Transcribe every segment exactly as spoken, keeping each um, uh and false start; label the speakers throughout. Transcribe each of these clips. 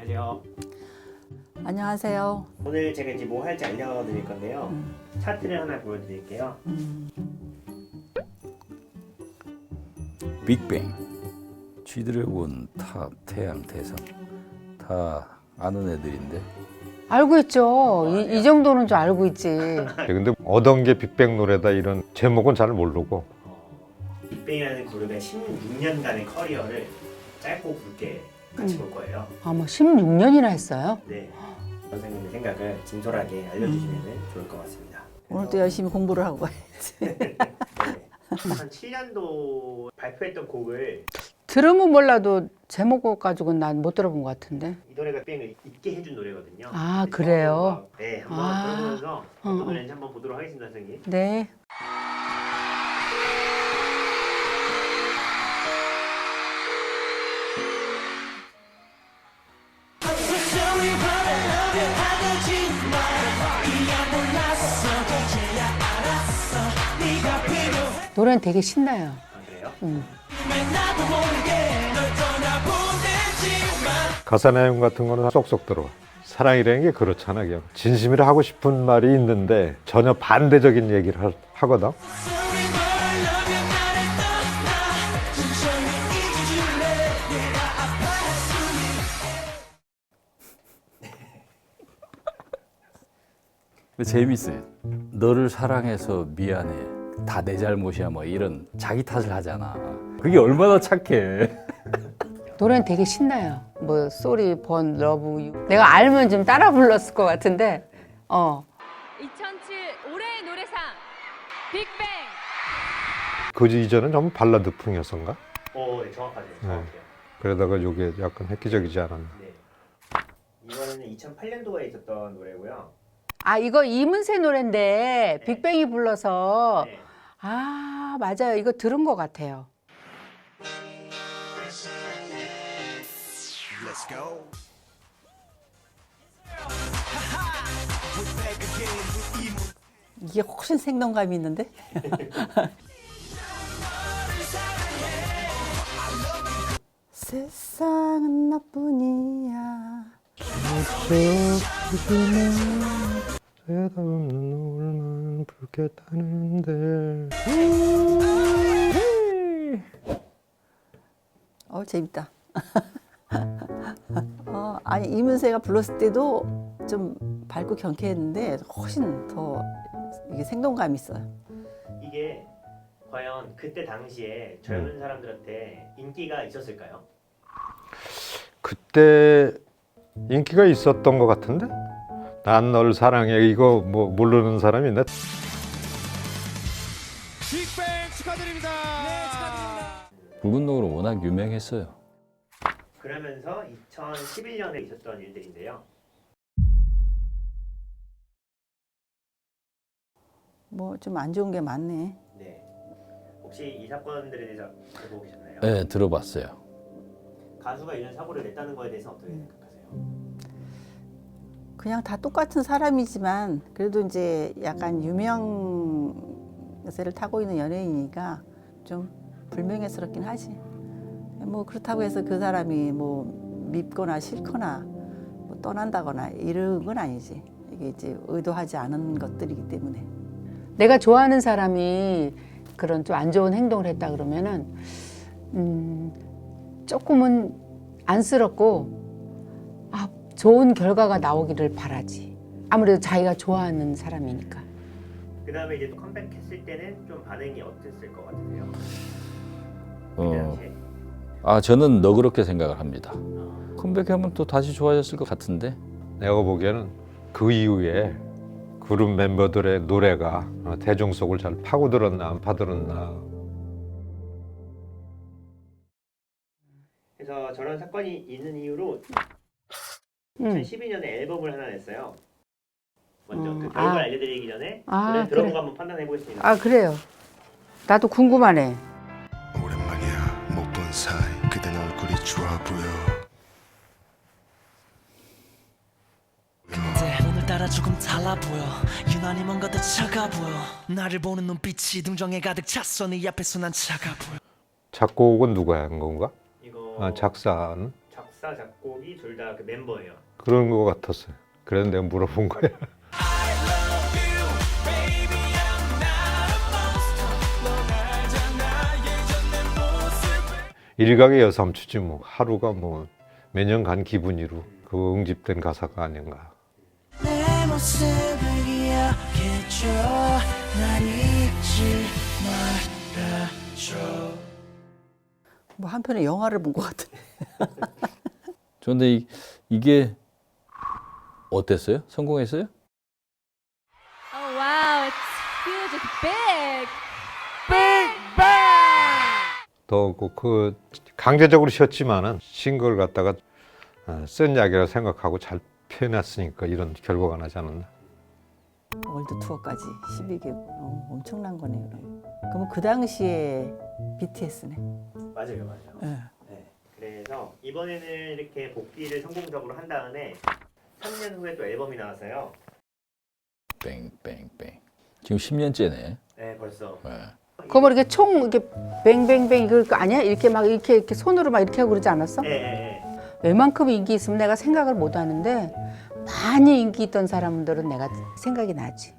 Speaker 1: 안녕하세요.
Speaker 2: 안녕하세요.
Speaker 1: 오늘 제가 이제 뭐 할지 알려드릴 건데요.
Speaker 2: 음.
Speaker 1: 차트를 하나 보여드릴게요.
Speaker 2: 음.
Speaker 3: 빅뱅, G드래곤, 탑, 태양, 대상 다 아는 애들인데
Speaker 4: 알고 있죠. 이, 이 정도는 좀 알고 있지.
Speaker 5: 근데 어떤 게 빅뱅 노래다 이런 제목은 잘 모르고.
Speaker 1: 어, 빅뱅이라는 그룹의 십육 년간의 커리어를 짧고 굵게 같이
Speaker 4: 음.
Speaker 1: 볼 거예요.
Speaker 4: 아마 십육 년이나 했어요?
Speaker 1: 네. 선생님의 생각을 진솔하게 알려주시면 좋을 것 같습니다.
Speaker 2: 오늘도 열심히 공부를 하고 가야지.
Speaker 1: 네. 이천칠 년도 발표했던 곡을
Speaker 4: 들으면 몰라도 제목 가지고는 난 못 들어본 것 같은데.
Speaker 1: 이 노래가 빅뱅을 잊게 해준 노래거든요.
Speaker 4: 아,
Speaker 1: 그래서
Speaker 4: 그래요?
Speaker 1: 네, 한번
Speaker 4: 아.
Speaker 1: 들어보면서 어떤
Speaker 4: 어, 어.
Speaker 1: 노래인지 한번 보도록 하겠습니다, 선생님.
Speaker 4: 네. 노래는 되게 신나요.
Speaker 1: 아, 그래요?
Speaker 4: 음.
Speaker 5: 가사 내용 같은 거는 쏙쏙 들어와. 사랑이라는 게 그렇잖아. 그냥 진심으로 하고 싶은 말이 있는데 전혀 반대적인 얘기를 하, 하거든.
Speaker 3: 근데 재밌어요. 너를 사랑해서 미안해. 다 내 잘못이야 뭐 이런 자기 탓을 하잖아. 그게 얼마나 착해.
Speaker 4: 노래는 되게 신나요. 뭐 소리 번 러브 유. 내가 알면 좀 따라 불렀을 것 같은데. 어.
Speaker 6: 이천칠 올해의 노래상 빅뱅.
Speaker 5: 그 이전은 좀 발라드풍이었던가?
Speaker 1: 오, 네, 정확하세요. 정확해요.
Speaker 5: 그러다가 이게 약간 획기적이지 않았나.
Speaker 1: 네. 이거는 이천팔 년도에 있었던 노래고요.
Speaker 4: 아, 이거 이문세 노래인데
Speaker 1: 네.
Speaker 4: 빅뱅이 불러서
Speaker 1: 네.
Speaker 4: 아, 맞아요. 이거 들은 것 같아요.
Speaker 2: 이게 훨씬 생동감이 있는데? 세상은 나뿐이야.
Speaker 5: 대답없는 노을만 붉겠다는데.
Speaker 2: 어, 재밌다. 어, 아니 이문세가 불렀을 때도 좀 밝고 경쾌했는데 훨씬 더 이게 생동감이 있어요.
Speaker 1: 이게 과연 그때 당시에 젊은 사람들한테 인기가 있었을까요?
Speaker 5: 그때 인기가 있었던 것 같은데? 난 널 사랑해 이거 뭐 모르는 사람이 있나?
Speaker 7: 빅뱅 축하드립니다. 네, 축하드립니다.
Speaker 3: 붉은 노을은 워낙 유명했어요.
Speaker 1: 그러면서 이천십일 년에 있었던 일들인데요.
Speaker 2: 뭐 좀 안 좋은 게 많네.
Speaker 1: 네. 혹시 이 사건들에 대해서 알고 계셨나요?
Speaker 3: 네, 들어봤어요.
Speaker 1: 가수가 이런 사고를 냈다는 거에 대해서 어떻게 생각하세요?
Speaker 2: 그냥 다 똑같은 사람이지만 그래도 이제 약간 유명세를 타고 있는 연예인이니까 좀 불명예스럽긴 하지. 뭐 그렇다고 해서 그 사람이 뭐 밉거나 싫거나 뭐 떠난다거나 이런 건 아니지. 이게 이제 의도하지 않은 것들이기 때문에.
Speaker 4: 내가 좋아하는 사람이 그런 좀 안 좋은 행동을 했다 그러면은 음, 조금은 안쓰럽고 아, 좋은 결과가 나오기를 바라지. 아무래도 자기가 좋아하는 사람이니까.
Speaker 1: 그 다음에 이제 또 컴백했을 때는 좀 반응이 어땠을 것 같으세요? 그
Speaker 3: 어,
Speaker 1: 당시에?
Speaker 3: 아 저는 너그럽게 생각을 합니다. 컴백하면 또 다시 좋아졌을 것 같은데.
Speaker 5: 내가 보기에는 그 이후에 그룹 멤버들의 노래가 대중 속을 잘 파고들었나 안 파들었나.
Speaker 1: 그래서 저런 사건이 있는 이유로
Speaker 4: 음.
Speaker 1: 이천십이 년에 앨범을 하나 냈어요. 먼저
Speaker 4: 음,
Speaker 1: 그 결과를
Speaker 4: 아.
Speaker 1: 알려드리기 전에
Speaker 4: 아,
Speaker 1: 노래 들어보고
Speaker 4: 그래.
Speaker 1: 한번 판단해 보겠습니다.
Speaker 4: 아, 그래요. 나도 궁금하네.
Speaker 7: 오랜만이야 못 본 사이 그댄 얼굴이 좋아 보여.
Speaker 8: 근데 오늘따라 조금 달라 보여. 유난히 뭔가 더 차가 보여. 나를 보는 눈빛이 등정에 가득 찼어. 네 앞에서 난 차가 보여.
Speaker 5: 작곡은 누가 한 건가?
Speaker 1: 이거
Speaker 5: 아, 작사는?
Speaker 1: 작사 작곡 곡이 둘 다 그 멤버예요.
Speaker 5: 그런 거 같았어요. 그래서 내가 물어본 거야. 일각의 여삼추지 뭐 하루가 뭐 매년 간 기분이로 그 응집된 가사가 아닌가.
Speaker 8: 내 모습을 기억해줘 날 잊지 말아줘
Speaker 2: 뭐 한편의 영화를 본 것 같은데.
Speaker 3: 그런데 이, 이게 어땠어요? 성공했어요?
Speaker 6: Oh wow, it's huge, it's big.
Speaker 5: 더 그 강제적으로 쉬었지만은 싱글 갖다가 어, 쓴 약이라 생각하고 잘 표현했으니까 이런 결과가 나지 않았나.
Speaker 2: 월드 투어까지 십이 개국. 어, 엄청난 거네요. 그럼. 그러면 그 당시에 비티에스네.
Speaker 1: 맞아요, 맞아요.
Speaker 2: 네.
Speaker 1: 네. 그래서 이번에는 이렇게 복귀를 성공적으로 한 다음에 삼 년 후에 또 앨범이 나왔어요.
Speaker 3: 뺑뺑뺑. 지금 십 년째네.
Speaker 1: 네, 벌써.
Speaker 3: 네.
Speaker 4: 그거 뭐 이렇게 총 이렇게 뱅뱅뱅 이거 아니야? 이렇게 막 이렇게 이렇게 손으로 막 이렇게 하고 그러지 않았어?
Speaker 1: 네, 네,
Speaker 4: 웬만큼 인기 있으면 내가 생각을 못 하는데 많이 인기 있던 사람들은 내가 생각이 나지.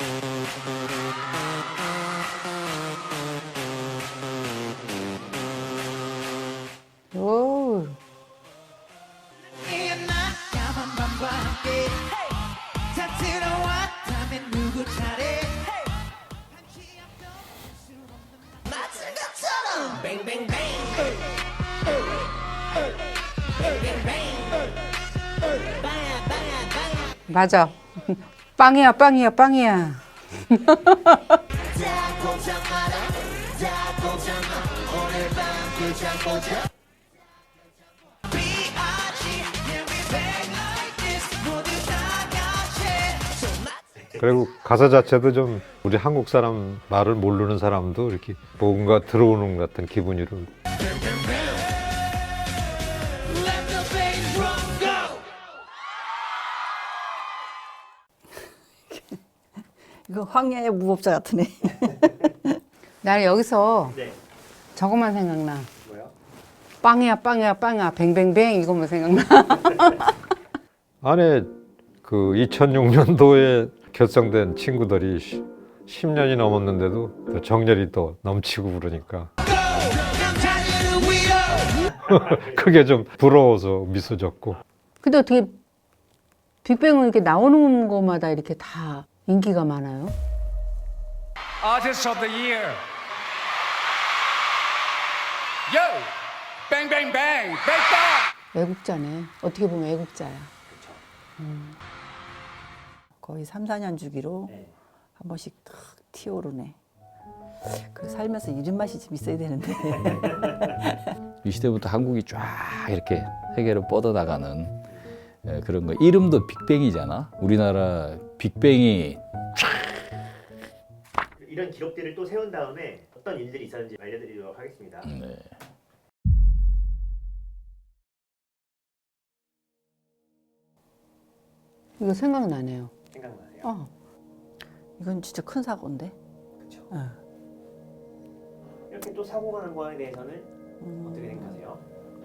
Speaker 4: 오. 맞아. 빵이야, 빵이야, 빵이야.
Speaker 5: 그리고 가사 자체도 좀 우리 한국 사람 말을 모르는 사람도 이렇게 뭔가 들어오는 것 같은 기분으로.
Speaker 2: 이거 황야의 무법자 같으네.
Speaker 4: 나는 여기서
Speaker 1: 네.
Speaker 4: 저것만 생각나.
Speaker 1: 뭐요?
Speaker 4: 빵이야, 빵이야, 빵이야, 뱅뱅뱅 이것만 생각나.
Speaker 5: 안에 그 이천육 년도에 결성된 친구들이 십 년이 넘었는데도 정열이 또 넘치고 그러니까 그게 좀 부러워서 미소 짓고.
Speaker 4: 근데 어떻게 빅뱅은 이렇게 나오는 것마다 이렇게 다 인기가 많아요?
Speaker 9: Artist of the Year. Yo, bang bang bang, bang bang.
Speaker 4: 외국자네. 어떻게 보면 외국자야.
Speaker 2: 거의 삼, 사 년 주기로
Speaker 1: 네.
Speaker 2: 한 번씩 탁 튀어오르네. 그 살면서 이런 맛이 좀 있어야 되는데.
Speaker 3: 이 시대부터 한국이 쫙 이렇게 세계로 뻗어나가는 예, 그런 거. 이름도 빅뱅이잖아. 우리나라 빅뱅이
Speaker 1: 이런 기록들을 또 세운 다음에 어떤 일들이 있었는지 알려드리도록 하겠습니다.
Speaker 3: 네.
Speaker 4: 이거 생각나네요.
Speaker 1: 생각나세요?
Speaker 4: 어.
Speaker 2: 이건 진짜 큰 사고인데.
Speaker 1: 그렇죠.
Speaker 2: 어.
Speaker 1: 이렇게 또 사고가 난 거에 대해서는
Speaker 2: 음.
Speaker 1: 어떻게 생각하세요?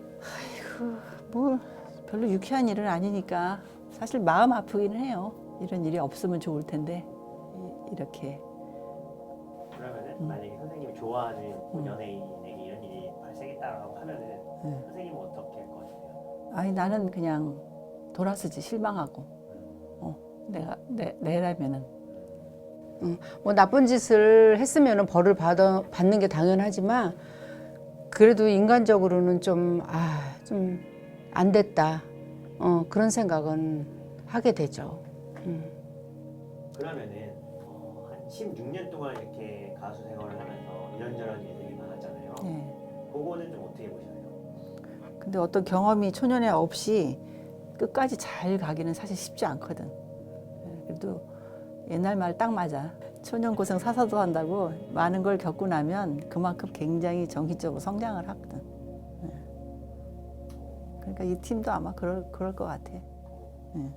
Speaker 2: 뭐 별로 유쾌한 일은 아니니까 사실 마음 아프기는 해요. 이런 일이 없으면 좋을 텐데 이- 이렇게.
Speaker 1: 그러면은
Speaker 2: 음.
Speaker 1: 만약에 선생님이 좋아하는
Speaker 2: 음.
Speaker 1: 연예인에게 이런 일이 발생했다라고 하면은
Speaker 2: 음.
Speaker 1: 선생님은 어떻게 할 것 같아요?
Speaker 2: 아니 나는 그냥 돌아서지 실망하고. 어, 내가 내 내라면은.
Speaker 4: 뭐 나쁜 짓을 했으면 벌을 받아, 받는 게 당연하지만 그래도 인간적으로는 좀, 아, 좀 안 됐다. 어, 그런 생각은 하게 되죠. 음.
Speaker 1: 그러면은 어, 한 십육 년 동안 이렇게 가수 생활을 하면서 이런저런 일들이 많았잖아요.
Speaker 2: 네.
Speaker 1: 그거는 좀 어떻게 보셔요?
Speaker 2: 근데 어떤 경험이 초년에 없이 끝까지 잘 가기는 사실 쉽지 않거든. 예, 그래도 옛날 말 딱 맞아. 초년 고생 사서도 한다고 많은 걸 겪고 나면 그만큼 굉장히 정신적으로 성장을 하거든. 예. 그러니까 이 팀도 아마 그럴 그럴 것 같아. 예.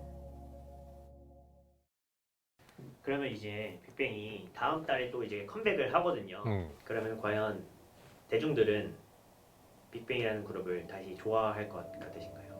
Speaker 1: 그러면 이제 빅뱅이 다음 달에 또 이제 컴백을 하거든요.
Speaker 5: 음.
Speaker 1: 그러면 과연 대중들은 빅뱅이라는 그룹을 다시 좋아할 것 같으신가요?